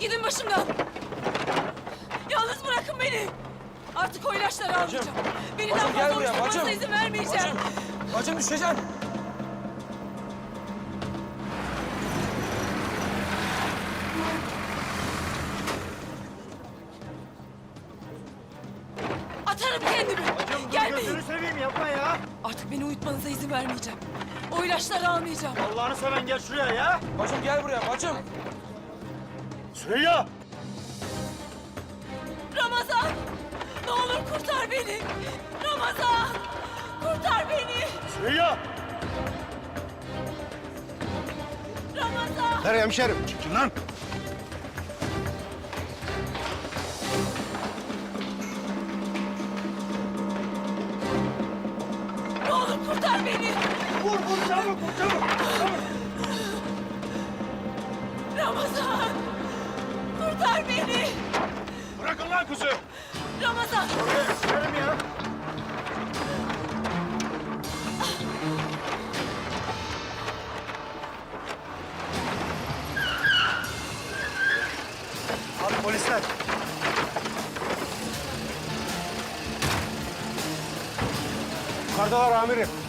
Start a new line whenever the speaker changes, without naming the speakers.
Gidin başımdan. Yalnız bırakın beni. Artık o ilaçları almayacağım. Beni daha
Bacım, gel
fazla
buraya,
uyuşturmanıza
bacım.
izin vermeyeceğim.
Bacım düşeceksin.
Atarım kendimi.
Bacım dur,
Gelmeyin.
gözünü seveyim yapma ya.
Artık beni uyutmanıza izin vermeyeceğim. O ilaçları almayacağım.
Allah'ını seven gel şuraya ya.
Bacım gel buraya bacım.
Süreyya.
Ramazan! Ne olur kurtar beni! Ramazan! Kurtar beni!
Süreyya.
Ramazan!
Nereye hemşerim? Çekil lan.
Ne olur kurtar beni!
Vur çabuk vur çabuk.
Ramazan! Kurtar beni!
Bırakın lan kızı.
Ramazan!
Oraya sürerim ya. Abi polisler. Yukarıdalar amirim.